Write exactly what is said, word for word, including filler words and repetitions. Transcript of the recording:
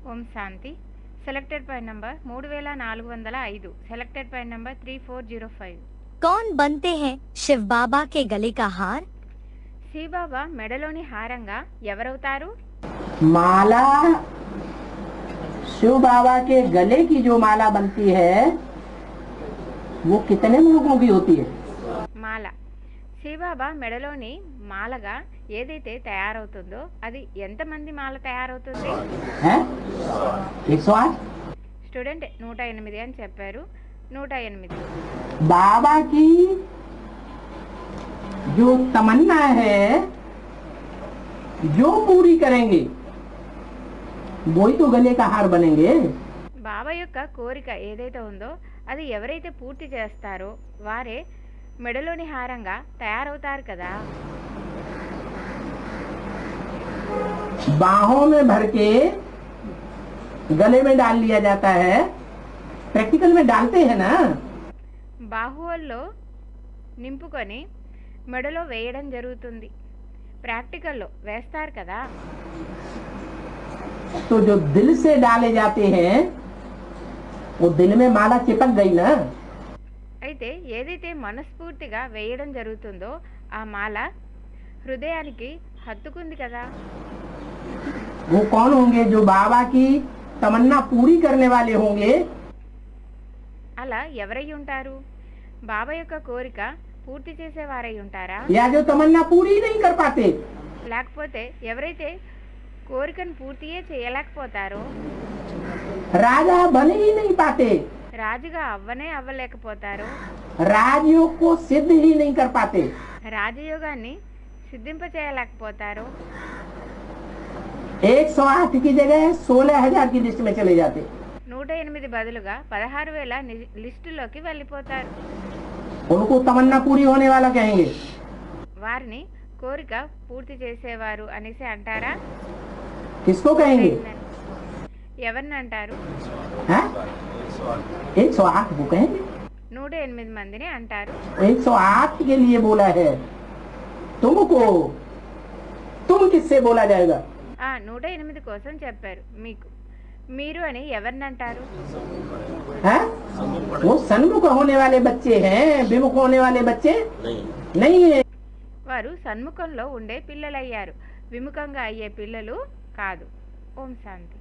ओम शांति selected point number మూడు వేల నాలుగు వందల ఐదు selected point number three four zero five कौन बनते हैं शिव बाबा के गले का हार? శివ బాబా మెడలోని హారంగా ఎవరవుతారు? माला शिव बाबा के गले की जो माला बनती है वो कितने लोगों की होती है? మాల శివ బాబా మెడలోని మాలగా ఏదైతే తయారవుతుందో అది ఎంతమంది మాల తయారవుతుంది? हैं? एक सौ आठ। స్టూడెంట్ నూట ఎనిమిది అని చెప్పారు. నూట ఎనిమిది बाबा की जो तमन्ना है जो पूरी करेंगे वही तो गले का हार बनेंगे। బాబా యొక్క కోరిక ఏదైతే ఉందో అది ఎవరైతే పూర్తి చేస్తారో వారే మెడలోని హారంగా తయారవుతారు కదా. बाहों में भर के गले में डाल लिया जाता है, प्रैक्टिकल में डालते हैं ना। బాహువుల్లో నింపుకొని మెడలో వేయడం జరుగుతుంది. ప్రాక్టికల్లో వేస్తారు కదా. तो जो दिल से डाले जाते हैं वो दिल में माला चिपक गई ना। అయితే ఏదైతే మనస్ఫూర్తిగా వేయడం జరుగుతుందో ఆ మాల హృదయానికి హత్తుకుంది కదా. वो कौन होंगे? जो बाबा की तमन्ना पूरी करने वाले होंगे। అలా ఎవరై ఉంటారు? బాబా యొక్క కోరిక పూర్తి చేసేవారై ఉంటారా? या जो तमन्ना पूरी नहीं कर पाते। లేకపోతే ఎవరైతే కోరికను పూర్తియే చేయలేకపోతారో, राजा बन ही नहीं पाते, రాజుగా అవ్వనే అవ్వలేకపోతారో, राजयोग को सिद्ध ही नहीं कर पाते, రాజయోగాన్ని సిద్ధింప చేయలేకపోతారో एक सौ आठ की जगह सोलह हजार की लिस्ट में चले जाते। నూట ఎనిమిది బదులుగా పదహారు వేల ని- లిస్టులోకి వెళ్ళిపోతారు. उनको तमन्ना पूरी होने वाला कहेंगे। వారిని కోరిక పూర్తి చేసేవారు అనేసి అంటారా? किसको कहेंगे? ఎవరిని అంటారు? हैं? एक सौ आठ को कहेंगे। నూట ఎనిమిది మందిని అంటారు. एक सौ आठ के लिए बोला है, तुमको तुम किससे बोला जाएगा? ఆ నూట ఎనిమిది కోసం చెప్పారు. మీకు మీరు అని ఎవరిని అంటారు? हैं? वो सन्मुख होने वाले बच्चे हैं, विमुख होने वाले बच्चे नहीं, नहीं है। వారు సన్ముఖంలో ఉండే పిల్లలయ్యారు, విముఖంగా అయ్యే పిల్లలు కాదు. ఓం శాంతి.